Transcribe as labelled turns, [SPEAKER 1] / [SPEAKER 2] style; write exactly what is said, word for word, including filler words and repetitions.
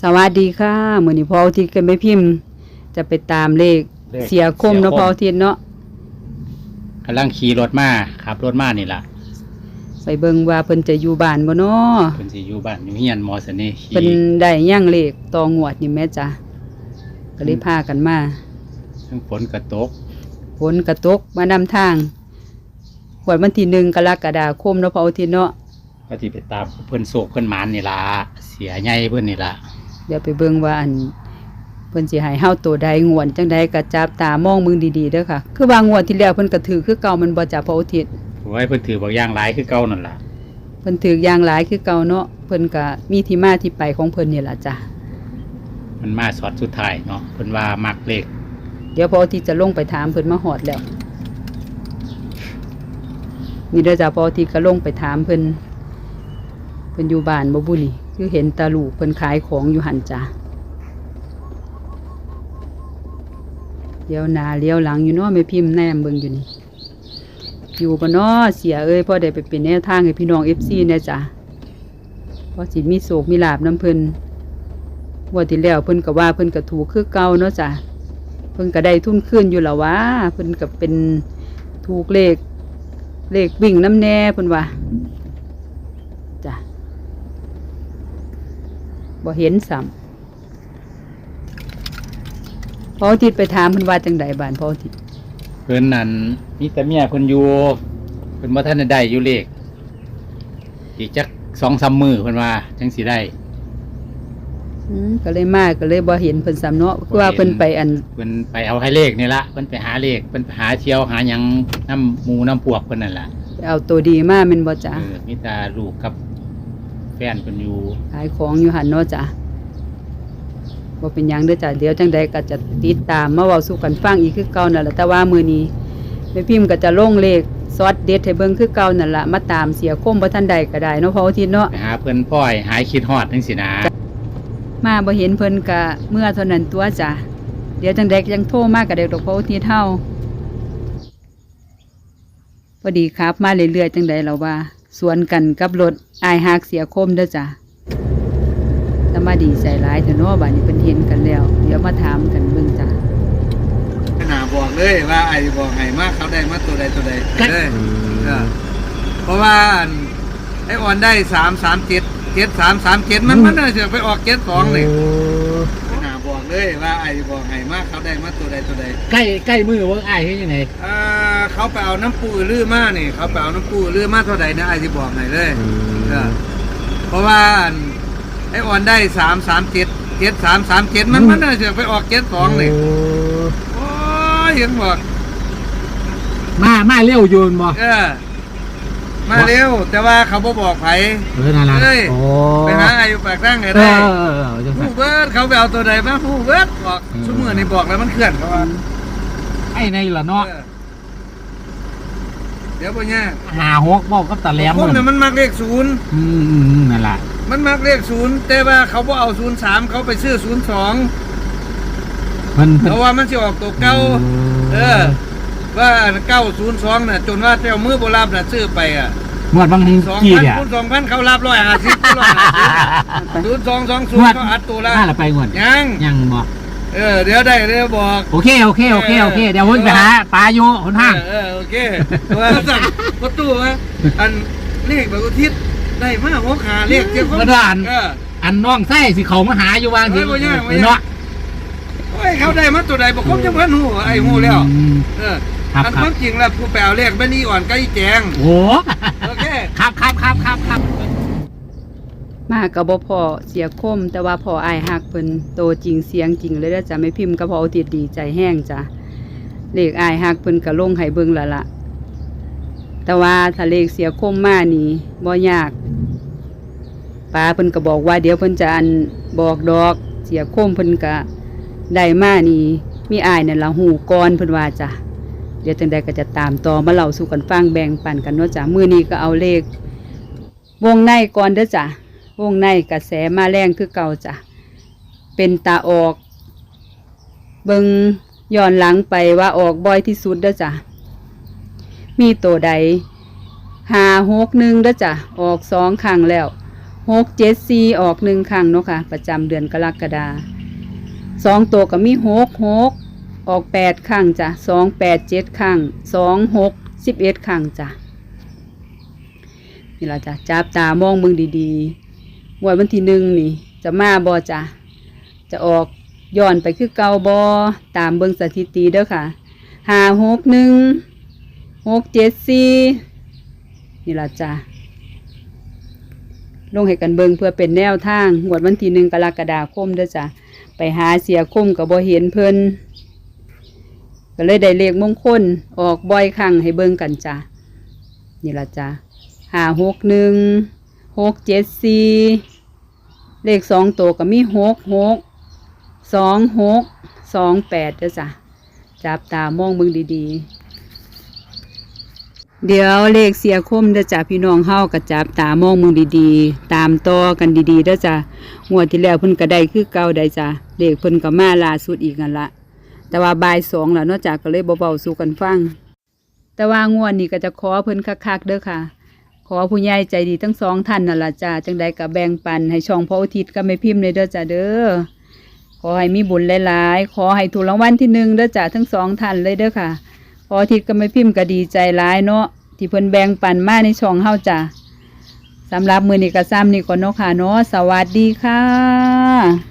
[SPEAKER 1] สวัสดีค่ะมื้อนี้พ่ออาทิตย์กับแม่พิมพ์จะไปตามเลขเสียคมเนาะพ่ออาทิตย์เนาะ
[SPEAKER 2] กำลังขี่รถมาขับรถมานี่ล่ะ
[SPEAKER 1] ไปเบิ่งว่าเพิ่นจะอยู่บ้านบ่เนาะ
[SPEAKER 2] เพิ่นสิอยู่บ้านอยู่เฮียนมอสนี่
[SPEAKER 1] เพิ่นได้ย่างเลขต่องวดนี่แม่จ้ะก็เลยพากันมา
[SPEAKER 2] ทั้งฝนกระตก
[SPEAKER 1] ฝนกระตกมานำทางงวดวันที่หนึ่งกรกฎาคมเนาะพ่ออาทิตย์เนาะ
[SPEAKER 2] ก็สิไปตามเพิ่นโศกเพิ่นหมานนี่ล่ะเสียใหญ่เพิ่นนี่ล่ะ
[SPEAKER 1] เดี๋ยวไปเบิ่งว่าอันเพิ่นสิให้เฮาตัวใดงวดจังใดก็จับตามองมึงดีๆเด้อค่ะคือว่างวดที่แล้วเพิ่นก็ถือคือเก่ามันบ่จ้ะพ่ออาทิตย์
[SPEAKER 2] โอ้ยเพิ่นถือบ่อย่างหลายคือเก่านั่นล่ะ
[SPEAKER 1] เพิ่นถืออย่างหลายคือเก่าเนาะเพิ่นก็มีที่มาที่ไปของเพิ่นนี่ล่ะจ้ะ
[SPEAKER 2] มันมาสอดสุดท้ายเนาะเพิ่นว่ามักเลข
[SPEAKER 1] เดี๋ยวพ่ออาทิตย์จะลงไปถามเพิ่นมาฮอดแล้วนี่เด้อจ้ะพ่ออาทิตย์ก็ลงไปถามเพิ่นเพิ่นอยู่บ้านบ่บุนี่คือเห็นตาลูกเพิ่นขายของอยู่หั่นจ้ะเลี้ยวหน้าเลี้ยวหลังอยู่เนาะแม่พิมพ์แนมเบิ่งอยู่นี่อยู่บ่เนาะเสียเอ้ยพ่อได้ไปเป็นแนวทางให้พี่น้อง เอฟ ซี แน่จ้ะพอสิมีโศกมีลาภนำเพิ่นว่าที่แล้วเพิ่นก็ว่าเพิ่นก็ถูกคือเก่าเนาะจ้ะเพิ่นก็ได้ทุนคืนอยู่แล้ววะเพิ่นก็เป็นถูกเลขเลขวิ่งน้ำแน่เพิ่นว่าจ้ะบ่เห็นซ้ำพ่ออาทิตย์ไปถามเพิ่นว่าจังไดบ้านพ่ออาทิตย์
[SPEAKER 2] เพิ่นนั่นมีแต่เมียเพิ่นอยู่เพิ่นบ่ทันได้อยู่เลขอีกจัก สองสาม มื้อเพิ่นว่าจังสิได้
[SPEAKER 1] อืมก็เลยมาก็เลยบ่เห็นเพิ่นซ้ำเนาะคือว่าเพิ่นไปอัน
[SPEAKER 2] เพิ่นไปเอาให้เลขนี่ล่ะเพิ่นไปหาเลขเพิ่นไปหาเที่ยวหาหยังน้ำหมู่น้ำพวกเพิ่นนั่นล่ะ
[SPEAKER 1] เอาตัวดีมาแม่นบ่จ้ะ
[SPEAKER 2] เออมีแต่ลูกกับแฟนเพิ่นอยู่
[SPEAKER 1] ขายของอยู่หั่นเนาะจ้ะบ่เป็นหยังเด้อจ้ะเดี๋ยวจังใดก็จะติดตามมาเว้าสู่กันฟังอีกคือเก่านั่นแหละแต่ว่ามื้อนี้แม่พิมพ์ก็จะลงเลขซอสเด็ดให้เบิ่งคือเก่านั่นล่ะมาตามเสียคมบ่ทันใดก็ได้เนาะพ่ออาทิตย์เนาะ
[SPEAKER 2] ไปหาเพิ่นพ่อยหายคิดฮอดจังซี่นะ
[SPEAKER 1] มาบ่เห็นเพิ่นก็เมื่อเท่านั้นตัวจ้ะเดี๋ยวจังใดยังโทรมาก็ได้ดอกพ่ออาทิตย์เฮาพอดีครับมาเรื่อยๆจังใดเราว่าสวนกันกับรถอายฮักเสียคมเด้อจ้ะถ้ามาดีใจหลายเถอะเนาะบัดนี้เพิ่นเห็นกันแล้วเดี๋ยวมาถามกันเบิ่งจ้ะ
[SPEAKER 3] ขนาดบอกเลยว่าไอ้บอกให้มากเขาได้มาตัวใดตัวใดเลยเพราะว่าไอ้อ่อนได้สามสามเจ็ดเจ็ดสามสามเจ็ดมันมันน่าจะไปออกเจ็ดสองเลยขนาดบอกเลยว่าไอ้บอกให้มากเขาได้มาตัวใดตัวใด
[SPEAKER 2] ใกล้ใกล้มือว่าไอ้เฮ็ดยังไง
[SPEAKER 3] อ่าเขาไปเอาน้ำปูลื้อมานี่เขาไปเอาน้ำปูลื้อมาเท่าใดนะไอ้ที่บอกให้เลยเพราะว่าไอ้อ่อนได้สามสามเจ็ดเจ็ดสามสามเจ็ดมันมันน่าจะไปออกเจ็ดสองเลยโอ้ยเห็นบอก
[SPEAKER 2] มามาเร็วโยนบอก
[SPEAKER 3] เออมาเร็วแต่ว่าเขาบ่บอกไผ
[SPEAKER 2] เออนั่นล่ะโอ้
[SPEAKER 3] ไปหาอายุปากตั้งไงได้ผู้เบิร์ดเขาไปเอาตัวใดมาผู้เบิร์ดบอกชั่วโมงนี้บอกแล้วมันเคลื่อนเขาว่า
[SPEAKER 2] ไอ้ในล่ะเนาะ
[SPEAKER 3] เดี๋ยวพ่อเนี่ย
[SPEAKER 2] หาหกบอกก็ตะแหลม
[SPEAKER 3] พวกนั้นมันมักเลขศูนย์
[SPEAKER 2] อืมนั่นล่ะ
[SPEAKER 3] มันมักเลขศูนย์แต่ว่าเขาบ่เอาศูนย์สามเขาไปซื้อศูนย์สองเพราะว่ามันจะออกตัวเก้าเออว่าเก้าศูนย์สองน่ะจนว่าเจ้ามือโบราณน่ะซื้อไปอ่ะ
[SPEAKER 2] หมดบาง
[SPEAKER 3] สองพันคูณสองพันเขารับร้อยห้าสิบร้อยห้าสิบศูนย์สองสองศูนย์เขาอัดตัวละ
[SPEAKER 2] ห้าละไปหมด
[SPEAKER 3] ยัง
[SPEAKER 2] ยังบอก
[SPEAKER 3] เออเดี๋ยวได้เดี๋ยวบอก
[SPEAKER 2] โอเคโอเคโอเคโอเคเดี๋ยวพุ่นไปหาปลาอยู่คนห้าง
[SPEAKER 3] เออโอเคว่าสั่งประตูว่าอันเลขแบบอุทิศได้มาหัวขาเลขเจ้า
[SPEAKER 2] ของอันอันน้องไส้สิเขามาหาอยู่วางสิเนาะ
[SPEAKER 3] โอ้ยเขาได้มาตัวใดบอกคมจังพันหูไอ้หูแล้วเอออันความจริงแล้วผู้แปลเลขไม่นี่อ่อนใกล้แจง
[SPEAKER 2] โอ้
[SPEAKER 3] โอเค
[SPEAKER 2] ครับครับครับครับครับ
[SPEAKER 1] มากับบ่พอเสียคมแต่ว่าพออายฮักเพิ่นโตจริงเสียงจริงเลยนะจ้ะไม่พิมพ์ก็พอเอาติดดีใจแห้งจ้ะเลขอายฮักเพิ่นก็ลงให้เบิ่งละละแต่ว่าถ้าเลขเสียคมมานี่บ่ยากป้าเพิ่นก็บอกว่าเดี๋ยวเพิ่นจะอันบอกดอกเสียคมเพิ่นก็ได้มานี่มีอายนั่นละหูก่อนเพิ่นว่าจ้ะเดี๋ยวจังใดก็จะตามต่อมาเล่าสู่กันฟังแบ่งปันกันเนาะจ้ะมื้อนี้ก็เอาเลขวงในก่อนเด้อจ้ะวงในกระแสมาแรงคือเก่าจ้ะเป็นตาออกเบิ่งย้อนหลังไปว่าออกบ่อยที่สุดเด้อจ้ะมีตัวใดห้าหกหนึ่งเด้อจ้ะออกสองครั้งแล้วหหกเจ็ดสี่ออกหนึ่งครั้งเนาะค่ะประจำเดือนกรกฎาสองตัวก็มีหกหกออกแปดครั้งจ้ะสองแปดเจ็ดครั้งสองหกสิบเอ็ดครั้งจ้ะนี่เราจะจับตามองมึงดีๆวันวันที่หนึ่งนี่จะมาบอจ้ะจะออกย้อนไปคือเก่าบอตามเบิ่งสถิติเด้อค่ะห้าหกหนึ่งหกเจ็ดสี่นี่ละจ้ะลงให้กันเบิ่งเพื่อเป็นแนวทางงวดวันที่หนึ่งกรกฎาคมเด้อจ้ะไปหาเสียคมกับบ่เห็นเพิ่นก็เลยได้เลขมงคลออกบ่อยครั้งให้เบิ่งกันจ้ะนี่ละจ้ะห้าหกหนึ่งหกเจ็ดสี่เลขสองตัวก็มีหกหกสองหกสองแปดเด้อจ้ะจับตามองเบิ่งดีๆเดี๋ยวเลขเสียคมเด้อจ้ะพี่น้องเฮาก็จับตามองเบิ่งดีๆตามต่อกันดีๆเด้อจ้ะงวดที่แล้วเพิ่นก็ได้คือเก่าได้จ้ะเลขเพิ่นก็มาล่าสุดอีกนั่นละแต่ว่าบ่ายสองแล้วเนาะจ้ะก็เลยเบาๆสู่กันฟังแต่ว่างวดนี้ก็จะขอเพิ่นคักๆเด้อค่ะขอผู้ใหญ่ใจดีทั้งสองท่านนั่นล่ะจ้ะจังใดก็แบ่งปันให้ช่องพระอุทิศก็ไม่พิมพ์เลยเด้อจ้ะเด้อขอให้มีบุญหลายๆขอให้ถูกรางวัลที่หนึ่งเด้อจ้ะทั้งสองท่านเลยเด้อค่ะพออุทิศก็ไม่พิมพ์ก็ดีใจหลายเนาะที่เพิ่นแบ่งปันมาในช่องเฮาจ้ะสำหรับมื้อนี้ก็ซ้ำนี่ก่อนเนาะค่ะเนาะสวัสดีค่ะ